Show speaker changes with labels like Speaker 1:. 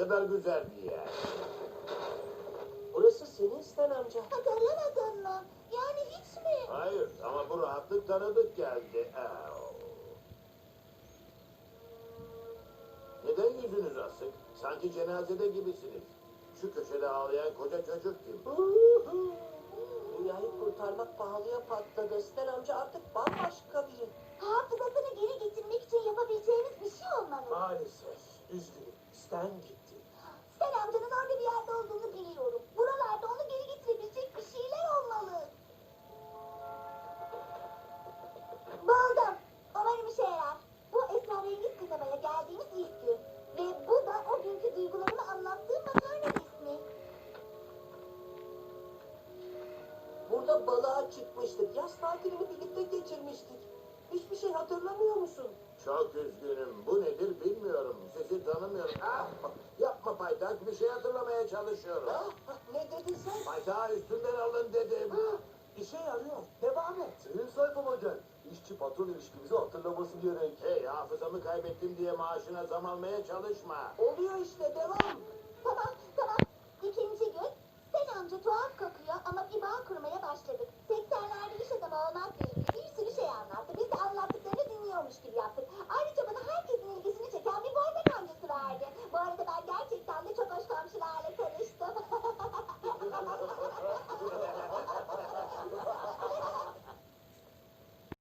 Speaker 1: kadar güzel bir yer.
Speaker 2: Burası senin Sten amca.
Speaker 3: Hatırlamadın mı? Yani hiç mi?
Speaker 1: Hayır ama bu rahatlık tanıdık geldi. Neden yüzünüz asık? Sanki cenazede gibisiniz. Şu köşede ağlayan koca çocuk kim?
Speaker 2: Dünyayı kurtarmak pahalıya patladı. Sten amca artık bambaşka biri.
Speaker 3: Hafızasını geri getirmek için yapabileceğimiz bir şey olmalı.
Speaker 2: Maalesef. Üzgünüm. Sten gitti.
Speaker 3: Sen amcanın orada bir yerde olduğunu biliyorum. Buralarda onu geri getirebilecek bir şeyler olmalı. Buldum. Umarım işe yarar. Bu esrarengiz kasabaya geldiğimiz ilk gün. Ve bu da o günkü duygularımı anlattığım makarna resmi.
Speaker 2: Burada balığa çıkmıştık. Yaz tatilini birlikte geçirmiştik. Hiçbir şey hatırlamıyor musun?
Speaker 1: Çok üzgünüm. Bu nedir bilmiyorum. Sizi tanımıyorum. Yapma paytak. Bir şey hatırlamaya çalışıyorum.
Speaker 2: Ne dedin sen?
Speaker 1: Paytağı üstünden alın dedim.
Speaker 2: İşe yarıyor. Devam et.
Speaker 4: Senin sayfama gel. İşçi patron ilişkimizi hatırlaması gerek.
Speaker 1: Hey, hafızamı kaybettim diye maaşına zam almaya çalışma.
Speaker 2: Oluyor işte. Devam.
Speaker 3: Tamam. İkinci gün. Sen amca tuhaf kokuyor ama bir bağ kurmaya başladık. 80'lerde iş adamı olmak değil.